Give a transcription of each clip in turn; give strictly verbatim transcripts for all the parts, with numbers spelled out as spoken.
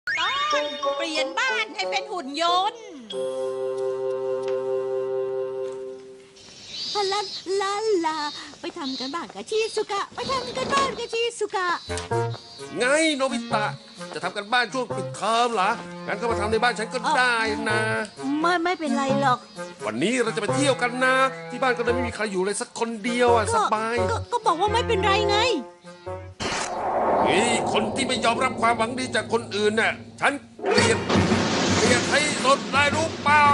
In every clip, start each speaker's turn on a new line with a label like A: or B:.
A: ตอนเปลี่ยนบ้านให้เป็นหุ่นยนต์
B: ลาลาลาไปทำกันบ้านกับชิสุกะไปทำกันบ้านกับชิสุกะ
C: ไงโนบิตะจะทำกันบ้านช่วงปิดเทอมเหรองั้นก็มาทำในบ้านฉันก็ได้นะ
B: ไม่ไม่เป็นไรหรอก
C: วันนี้เราจะไปเที่ยวกันนะที่บ้านก็เลยไม่มีใครอยู่เลยสักคนเดียวอ่ะสบาย
B: ก็ก็บอกว่าไม่เป็นไรไง
C: นี่คนที่ไม่ยอมรับความหวังดีจากคนอื่นน่ะฉันเกลียดเกลียดให้สุดได้รู้เปล่า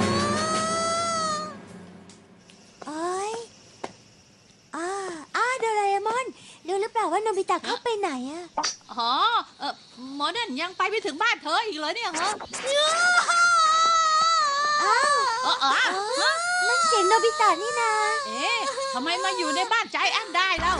D: โอ้ยอ้าอ้าโดราเอมอนรู้หรือเปล่าว่าโนบิตะเข้าไปไหนอะ
A: อ๋อเออหมอนั่นยังไปไม่ถึงบ้านเธออีกเลยเนี่ยเหรอ
D: อ้าว
A: เออเออฮะ
D: นั่นเสียงโนบิตะนี่นา
A: เอ๊ะทำไมมาอยู่ในบ้านใจแอนได้แล้ว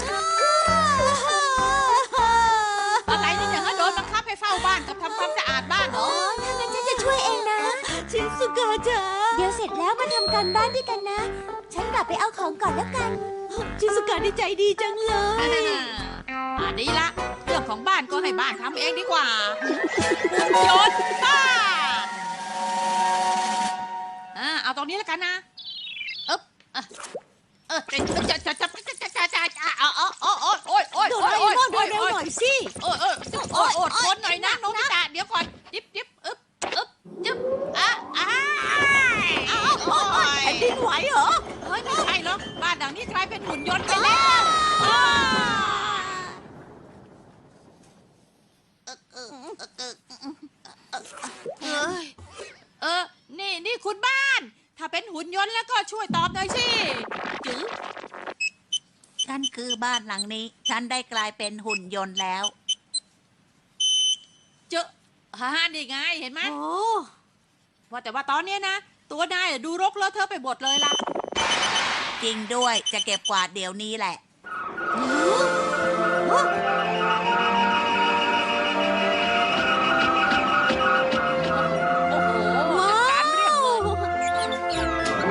A: อะไรนี่เนี่ยฮะโดนบังคับให้เฝ้าบ้านกับทำความสะอาดบ้านเหร
D: อ๋
A: อ
D: อถ้างั้นฉันจะช่วยเองนะ
B: ชิสุกะจ๋า
D: เดี๋ยวเสร็จแล้วมาทำการบ้านด้วยกันนะ ฉันกลับไปเอาของก่อนแล้วกัน
B: ชิสุกะดีใจดีจังเลย
A: อ่าดีละเรื่องของบ้านก็ให้บ้านทำเองดีกว่าหุ่นยนต์บ้านอ่าเอาตรงนี้แล้วกันนะเอ๊บอ่ะเออจะจะจะจะจะจะจะจะเอาเอาเอาโอ้ยโอ้ยโอ้ย
B: โด
A: โอ้
B: ราย เอ
A: โอ้ย
B: มอนเร็วๆหน่อยสิ
A: โอ้ยโอ้ยโอ้ยโอ้ยทนหน่อยนะโนบิตะเดี๋ยวก่อนยิบยิบอึ๊บอึ๊บจึ๊บอ่ะอ่ะเอาโอ้ย
B: แผ่นดินไหวเหรอ
A: เฮ้ยไม่ใช่หรอกบ้านหลังนี้กลายเป็นหุ่นยนต์ไปแล้ว เอ้ยเออ นี่นี่คุณบ้าน ถ้าเป็นหุ่นยนต์แล้วก็ช่วยตอบหน่อยสิจื๋อ
E: ฉันคือบ้านหลังนี้ ฉันได้กลายเป็นหุ่นยนต์แล้ว
A: เจอฮ่านี่ไงเห็นไหม
B: โอ้
A: ว่าแต่ว่าตอนเนี้ยนะ ตัวนายดูรกเลอะเทอะไปหมดเลยล่ะ
E: จริงด้วยจะเก็บกวาดเดี๋ยวนี้แหละ
A: โอ้โหจัดการเรียบเลย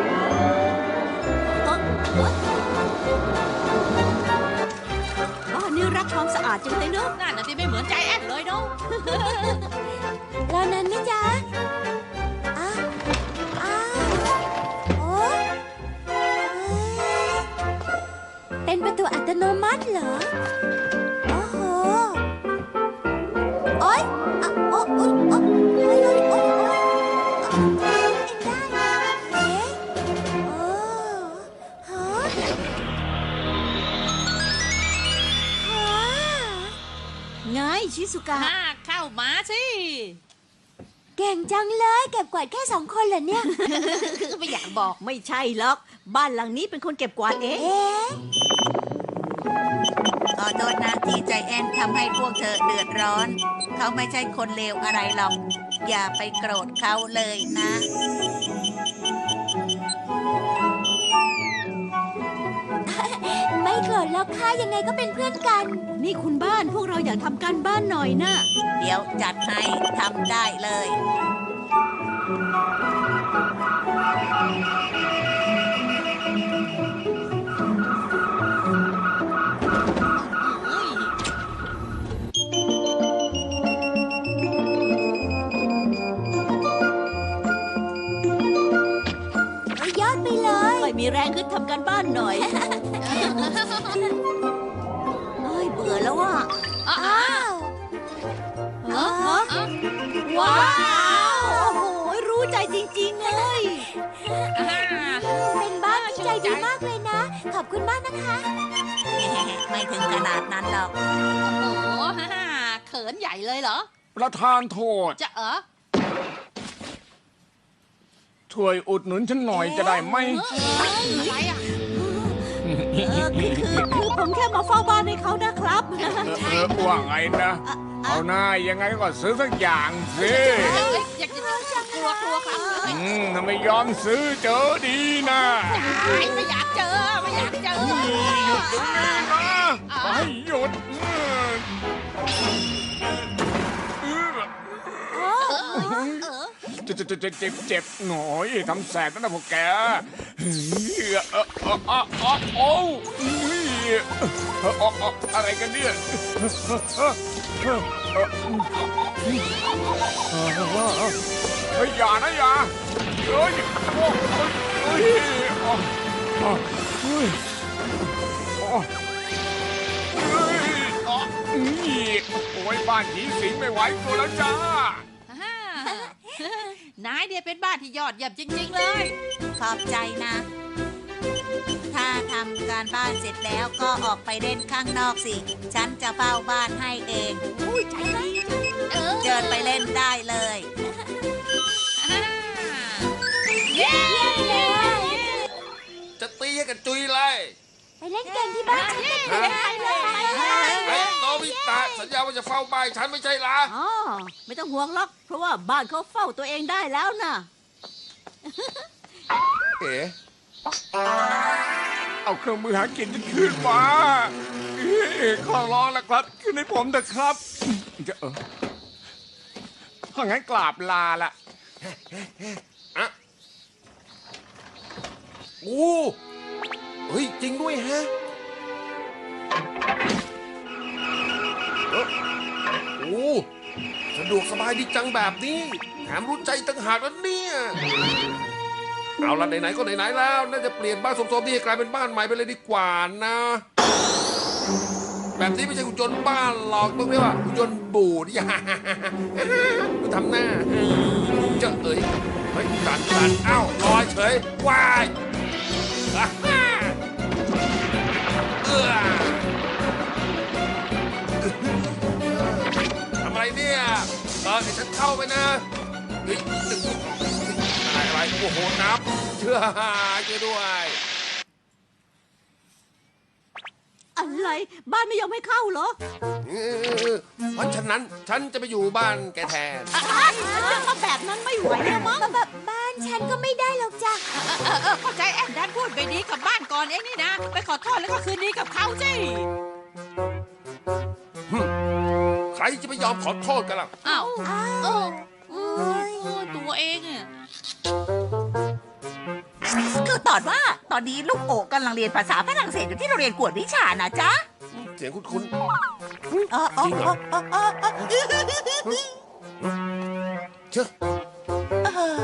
B: บ้านนี้รักความสะอาดจังเลยเนอะ
A: นั่นน่ะที่ไม่เหมือนใจแอนเลยเนาะ
D: แล้วนั้นไหมจ๊ะอ้าวอ้าวโอ้เอ้ยเป็นประตูอัตโนมัติเหรอ โอ้โห โอ๊ยอ่ะโอ๊ยโอ๊ยโอ๊ยโอ๊ยโอ๊ยโอ๊ยโอ๊ยเองได้เอ๊ะโอ้ฮะฮะ
B: ไงชิสุกะ
A: ฮ่าเข้ามาสิ
D: เก่งจังเลยเก็บกวาดแค่สองคนเหรอเนี่ย
A: ไม่อยากบอก
B: ไม่ใช่หรอกบ้านหลังนี้เป็นคนเก็บกวาดเอง
D: เอ๊ะ
E: ขอโทษนะที่ใจแอนทำให้พวกเธอเดือดร้อน เขาไม่ใช่คนเลวอะไรหรอก อย่าไปโกรธเขาเลยนะ
D: ไม่โกรธแล้วค่ะยังไงก็เป็นเพื่อนกัน
B: นี่คุณบ้านพวกเราอยากทำการบ้านหน่อยนะ
E: เดี๋ยวจัดให้ทำได้เลย
D: ยอดไปเลย
B: ค่อยมีแรงขึ้นทำการบ้านหน่อยเฮ้ยเบื่อแล้วอ่ะ
A: อ้า
D: อ้าว
A: เออเออเออ
B: ว้าวโอ้โหรู้ใจจริงๆเลย
A: อ่า
D: เป็นบ้านที่ใจดีมากเลยนะ ขอบคุณมากนะคะ
E: ไม่ถึงขนาดนั้นหรอก
A: โอ้โหฮ่าฮ่าเขินใหญ่เลยเหรอ
F: ประธานโทษ
A: จะเออ
F: ช่วยอุดหนุนฉันหน่อยจะได้ไหม
A: อะไรอ่ะ
B: เออคือคือคือผมแค่มาเฝ้าบ้านให้เขานะครับ
F: เออเออว่าไงนะ เอาหน้ายังไงก็ซื้อสักอย่างสิ
A: เอ้ยอยากจะกลัวกลัวครับเอ้ย
F: อืมถ้าไม่ยอมซื้อเจอดีนะ
A: ไม่อยากเจอไม่อยากเจอ
F: หยุดเดี๋ยวนี้นะไปหยุดเจ็บเจ็บเจ็บเจ็บเจ็บหน่อยทำแสบนะพวกแกเฮ้ยเออเออเออเออโอ้เอ่อเอ่ออะไรกันเนี่ยเฮ้ยอย่านะอย่าเฮ้ยโอ้เฮ้ยอ๋ออ๋อเฮ้ยอ๋อเฮ้ยอ๋อนี่โอ้ยบ้านผีสิงไม่ไหวตัวแล้วจ้า
A: ฮ่านายเนี่ยเป็นบ้านที่ยอดเยี่ยมจริง ๆ เลย
E: ขอบใจนะ ถ้าทำการบ้านเสร็จแล้วก็ออกไปเล่นข้างนอกสิ ฉันจะเฝ้าบ้านให้เอง
A: อุ้ยใจดีเออ
E: เดินไปเล่นได้เลย
A: ฮ่าเย้
C: จะตีให้กันจุยเลย
D: ไปเล่นเกมที่บ้านฉันกันเถอะ
C: ไอ้โนบิตะสัญญาว่าจะเฝ้าบ้านฉันไม่ใช่เหรอ
B: อ๋อไม่ต้องห่วงหรอกเพราะว่าบ้านเขาเฝ้าตัวเองได้แล้วนะ
C: เอ๋
F: เอาเครื่องมือหากินฉันขึ้นมาเอ้ยขอร้องแล้วครับขึ้นให้ผมเถอะครับจะเออถ้างั้นกราบลาละ
C: อะโอ้เฮ้ยจริงด้วยฮะเอ้อโอ้สะดวกสบายดีจังแบบนี้แถมรู้ใจต่างหากแล้วเนี่ยเอาละไหนๆก็ไหนๆแล้วน่าจะเปลี่ยนบ้านสมๆนี่ให้กลายเป็นบ้านใหม่ไปเลยดีกว่านะ แบบนี้ไม่ใช่หุ่นยนต์บ้านหรอกต้องเรียกว่าหุ่นยนต์บูด อย่ามาทำหน้าเจ้าเอ๋ยเฮ้ยดันดันเอ้าลอยเฉยวายอ่ะเอื้อทำอะไรเนี่ยเออให้ฉันเข้าไปนะเฮ้ยตึงอะไรอะไรโอ้โหน้ำเชื่อช่วยด้วย
B: อะไรบ้านไม่ยอมให้เข้าเหรอ
C: เออเพราะฉะนั้นฉันจะไปอยู่บ้านแกแทน
B: จะมาแบบนั้นไม่ไหวแล้วมั้ง
D: แบบบ้านฉันก็ไม่ได้หรอกจ้ะ
A: เออเออเข้าใจแอนดันพูดไปดีกับบ้านก่อนเองนี่นะ ไปขอโทษแล้วก็คืนดีกับเขาสิ
C: ใครจะไปยอมขอโทษกันล่ะ
A: อ้าว
D: อ้า
A: เอ
D: ว
A: อ
D: โอ้ย
A: โอ้ตัวเองอะ
E: คือตอนว่าตอนนี้ลูกโอกำลังเรียนภาษาฝรั่งเศสอยู่ที่โรงเรียนกวดวิชานะจ๊ะ
C: เสียงคุ้น
E: เออเออเออเออเออเออ
C: ๆเชื่อ
E: เออ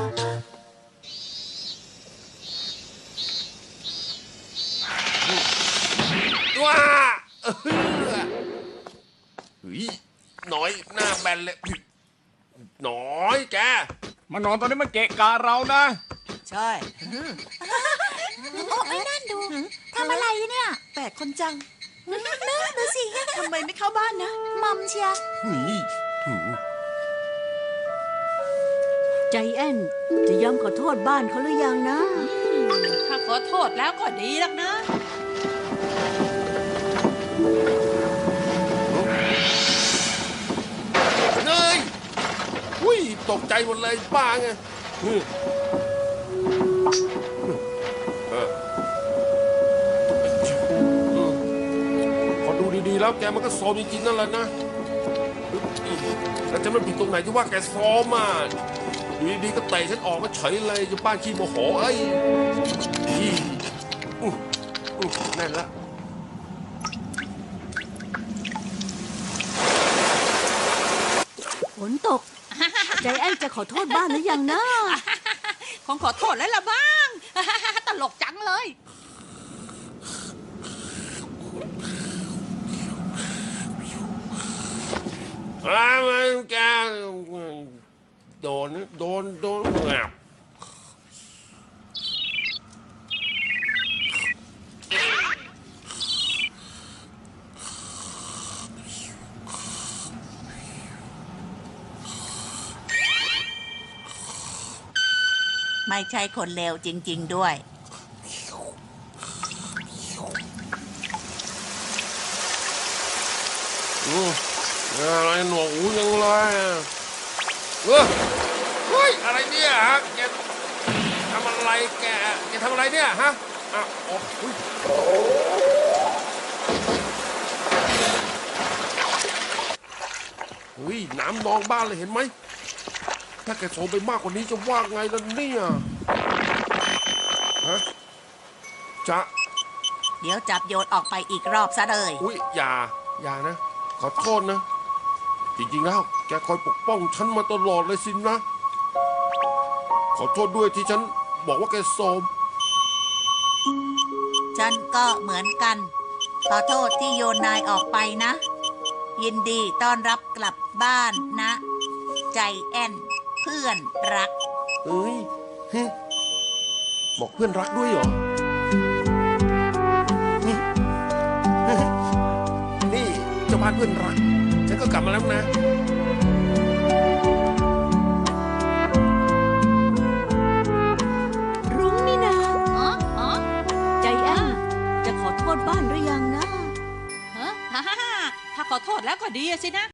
C: ว้าเออเฮ้ยหน่อยหน้าแบนเลยหน่อยแก
F: มานอนตอนนี้มันเกะกะเรานะ
E: ใช่
D: โอ้ไม่นั่นดูทำอะไรเนี่ย
E: แปลกคนจัง
D: นู่นดูสิ
E: ทำไมไม่เข้าบ้านนะ
D: มัมเชียร์
C: เฮ้ยหือ
B: ใจแอนจะยอมขอโทษบ้านเขาหรือยังนะ
A: ถ้าขอโทษแล้วก็ดีแล้วนะ
C: เฮ้ยอุ้ยตกใจหมดเลยบ้าไงเออเออพอดูดีๆแล้วแกมันก็โซมจริงๆนั่นแหละนะแล้วจะมันผิดตรงไหนที่ว่าแกซ้อมอ่ะอยู่ดีๆก็เตะฉันออกมาเฉยเลยจะบ้านขี้โมโหเอ้ยอีอุ๊ยอุ๊ยแน่นละ
B: ฝนตก ใจแอนจะขอโทษบ้านหรือยังนะ
A: คงขอโทษแล้วละบ้าง ตลกจังเลย
C: อ้าวแกโดนโดนโดนแงบ
E: ไม่ใช่คนเลวจริง ๆ ด้วย
C: อืมอะไรหนวกหูยังเลยอ่ะเออเฮ้ยอะไรเนี่ยฮะแกทำอะไรแกแกทำอะไรเนี่ยฮะอ่ะโอ้ยเฮ้ยน้ำนองบ้านเลยเห็นไหมถ้าแกโซมไปมากกว่านี้จะว่าไงล่ะเนี่ยฮะจะ
E: เดี๋ยวจับโยนออกไปอีกรอบซะเลย
C: อุ้ยอย่า อย่านะ ขอโทษนะ จริงๆแล้ว แกคอยปกป้องฉันมาตลอดเลยสินะ ขอโทษด้วยที่ฉันบอกว่าแกโสม
E: ฉันก็เหมือนกัน ขอโทษที่โยนนายออกไปนะ ยินดีต้อนรับกลับบ้านนะ ใจแอนเพื่อนรัก
C: เอ้ยฮึบอกเพื่อนรักด้วยเหรอ นี่นี่เจ้าบ้านเพื่อนรัก ฉันก็กลับมาแล้วนะ
B: รุ้งนี่นะ
A: อ๋ออ๋อ
B: ใจแอนจะขอโทษบ้านหรือยังนะ
A: ฮะฮ่าฮ่าฮ่าถ้าขอโทษแล้วก็ดีอะสินะ